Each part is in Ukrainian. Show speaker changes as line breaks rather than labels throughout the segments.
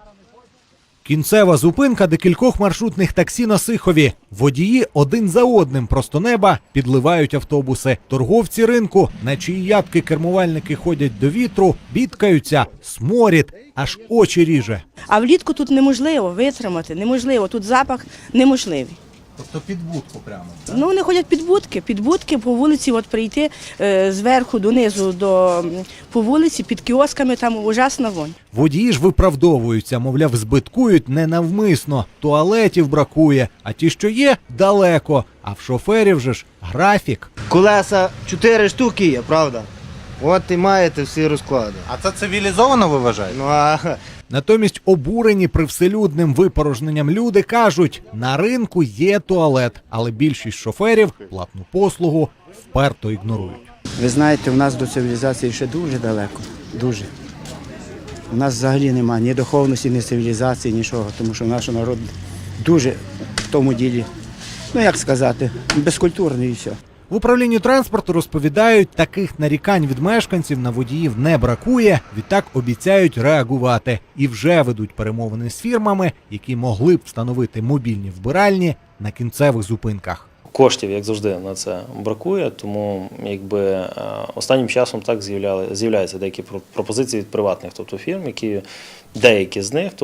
Кінцева зупинка декількох маршрутних таксі на Сихові. Водії один за одним просто неба підливають автобуси. Торговці ринку, на чиї ябки кермувальники ходять до вітру, бідкаються, сморід, аж очі ріже.
А влітку тут неможливо витримати, неможливо, тут запах неможливий.
Тобто під будку прямо?
Ну, вони ходять під будки по вулиці, от прийти зверху донизу по вулиці, під кіосками, там ужасна вонь.
Водії ж виправдовуються, мовляв, збиткують ненавмисно, туалетів бракує, а ті, що є, далеко, а в шоферів же ж графік.
Колеса 4 штуки є, правда? От і маєте всі розклади.
А це цивілізовано, ви вважаєте?
Ну а
Натомість обурені привселюдним випорожненням люди кажуть, на ринку є туалет, але більшість шоферів платну послугу вперто ігнорують.
Ви знаєте, у нас до цивілізації ще дуже далеко, дуже. У нас взагалі немає ні духовності, ні цивілізації, нічого, тому що наш народ дуже в тому ділі, ну як сказати, безкультурний і все.
В управлінні транспорту розповідають, таких нарікань від мешканців на водіїв не бракує, відтак обіцяють реагувати. І вже ведуть перемовини з фірмами, які могли б встановити мобільні вбиральні на кінцевих зупинках.
Коштів, як завжди, на це бракує, тому останнім часом так з'являються деякі пропозиції від приватних фірм, які деякі з них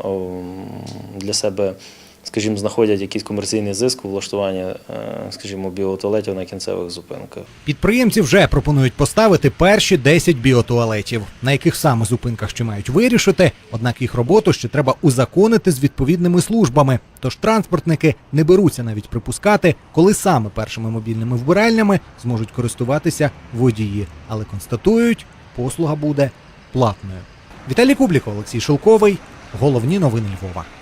для себе, скажімо, знаходять якийсь комерційний зиск у влаштуванні, скажімо, біотуалетів на кінцевих зупинках.
Підприємці вже пропонують поставити перші 10 біотуалетів, на яких саме зупинках ще мають вирішити, однак їх роботу ще треба узаконити з відповідними службами. Тож транспортники не беруться навіть припускати, коли саме першими мобільними вбиральнями зможуть користуватися водії. Але констатують, послуга буде платною. Віталій Кубліков, Олексій Шелковий. Головні новини Львова.